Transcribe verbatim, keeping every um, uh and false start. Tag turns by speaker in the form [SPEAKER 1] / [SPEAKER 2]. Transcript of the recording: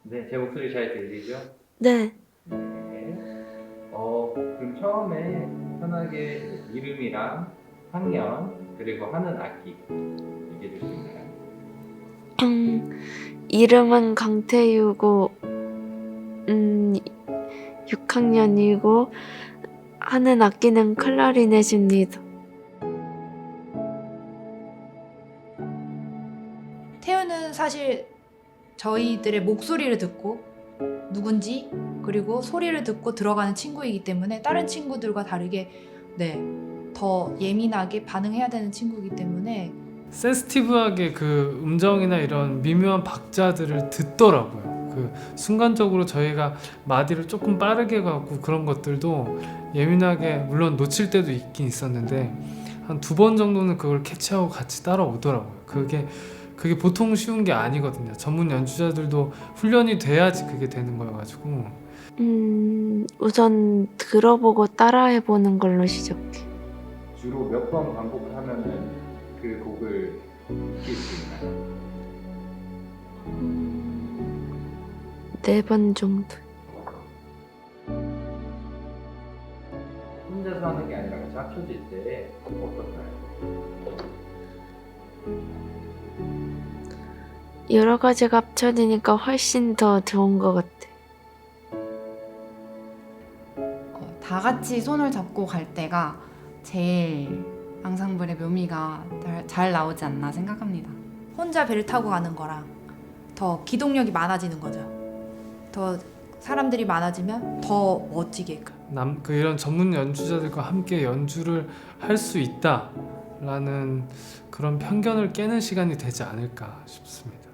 [SPEAKER 1] 네, 제 목소리 잘 들리죠?
[SPEAKER 2] 네.
[SPEAKER 1] 네. 어, 그럼 처음에 편하게 이름이랑 학년 그리고 하는 악기 얘기해 줄 수 있나요?
[SPEAKER 2] 음, 이름은 강태유고, 음, 육 학년이고, 하는 악기는 클라리넷입니다.
[SPEAKER 3] 태우는 사실 저희들의 목소리를 듣고 누군지 그리고 소리를 듣고 들어가는 친구이기 때문에 다른 친구들과 다르게 네, 더 예민하게 반응해야 되는 친구이기 때문에
[SPEAKER 4] 센스티브하게 그 음정이나 이런 미묘한 박자들을 듣더라고요. 그 순간적으로 저희가 마디를 조금 빠르게 가고 그런 것들도 예민하게 물론 놓칠 때도 있긴 있었는데 한 두 번 정도는 그걸 캐치하고 같이 따라오더라고요. 그게 그게 보통 쉬운 게 아니거든요. 전문 연주자들도 훈련이 돼야지 그게 되는 거여가지고
[SPEAKER 2] 음, 우선 들어보고 따라해보는 걸로 시작해.
[SPEAKER 1] 주로 몇 번 반복하면은 그 곡을 익힐 수 있나요?
[SPEAKER 2] 음, 네 번 정도.
[SPEAKER 1] 혼자서 하는 게 아니라 같이 합쳐질 때 어떨까요?
[SPEAKER 2] 여러 가지가 합쳐지니까 훨씬 더 좋은 것 같아.
[SPEAKER 5] 어, 다 같이 손을 잡고 갈 때가 제일 앙상블의 묘미가 잘, 잘 나오지 않나 생각합니다.
[SPEAKER 3] 혼자 배를 타고 가는 거랑 더 기동력이 많아지는 거죠. 더 사람들이 많아지면 더 멋지게
[SPEAKER 4] 남, 그 이런 전문 연주자들과 함께 연주를 할 수 있다라는 그런 편견을 깨는 시간이 되지 않을까 싶습니다.